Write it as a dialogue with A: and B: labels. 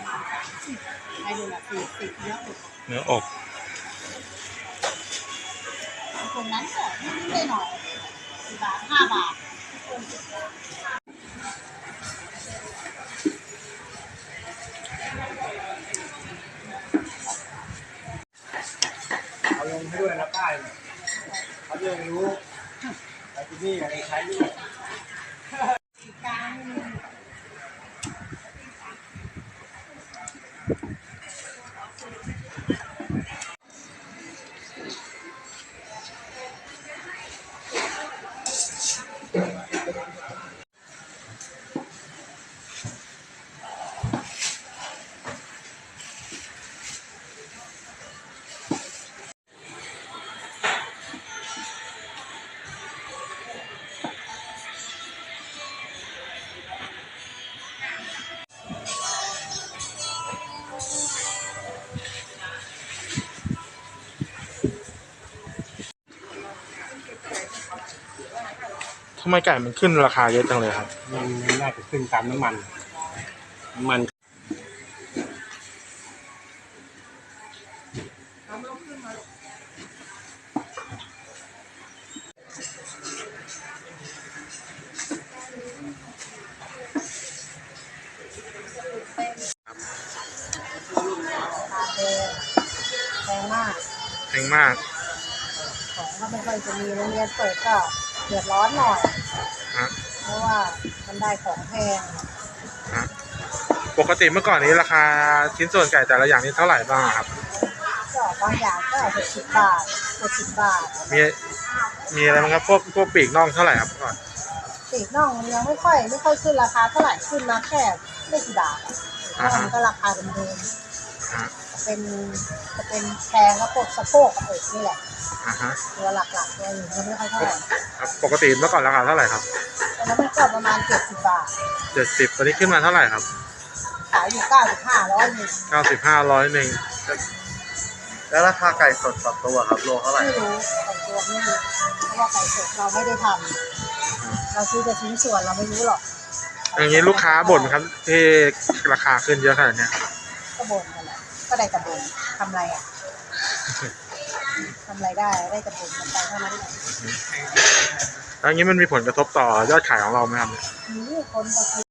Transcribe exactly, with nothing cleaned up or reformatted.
A: ไอ้ดูละสี่สิบเนื้ออก
B: เนื้ออก
A: คนนั้นก็นิดๆหน่อยสี่บาทห้าบาท
C: เอาลงให้ด้วยนะป้ายเขาจะรู้ไอ้ที่นี่อะไรใช้ด้วย
B: ทำไมไก่มันขึ้นราคาเยอะจังเลยครับ
C: มันน่าจะขึ้นตามน้ำมันน้ำมัน
A: แพงมาก
B: แพงมาก
A: ของก็ไม่ค่อยจะมีโรงเรียนเปิดก็เดือดร้อนหน่อย
B: ฮะ
A: เพราะว่ามันได้ของแพง
B: ฮะปกติเมื่อก่อนนี้ราคาชิ้นส่วนไก่แต่ละอย่างนี้เท่าไหร่บ้างครับ
A: ก็บางอย่างก็หกสิบบาทหกสิบบาท
B: มีมีอะไรบ้างครับพวกพวกปีกน่องเท่าไหร่ครับก่อน
A: ปีกน่องมันยังไม่ค่อยไม่ค่อยขึ้นราคาเท่าไหร่ขึ้นมาแค่ไม่กี่บาทน่องก็ราคาเดิมๆเป็นจะเป็นแพงแล้วพวกสะโพกกับอกนี่แหละตัวหลักๆตัวอื่นก็ไม่ค่อยเท่าไหร่
B: ปกติเมื่อก่อนราคาเท่าไหร่ครับ
A: ตอนนั้นมันก็ประมาณเจ็ดสิบบาท
B: เจ็ดสิบตอนนี้ขึ้นมาเท่าไหร่ครับ
A: ขายอยู่เก้าสิบห้าร้อยหนึ่ง
B: เก้าสิบห้าร้อยหนึ่ง
C: แล้วราคาไก่สดต่อตัวครับโลเท่าไหร่
A: ไม่รู้ต่อตัวไม่รู้เพราะว่าไก่สดเราไม่ได้ทำเราซื้อแต่ชิ้นส่วนเราไม่รู้หรอก
B: อย่างนี้ลูกค้าบ่นครับที่ราคาขึ้นเยอะขนาดนี้
A: ก็บ่นกันแหละก็ได้แต่บ่นทำไรอ่ะทำไรได้ได้แต่บ่นกันไปเท่านั้นแหละ
B: แล้วอย่างนี้มันมีผลกระทบต่อยอดขายของเราไหมครับ
A: มีคนก็กิน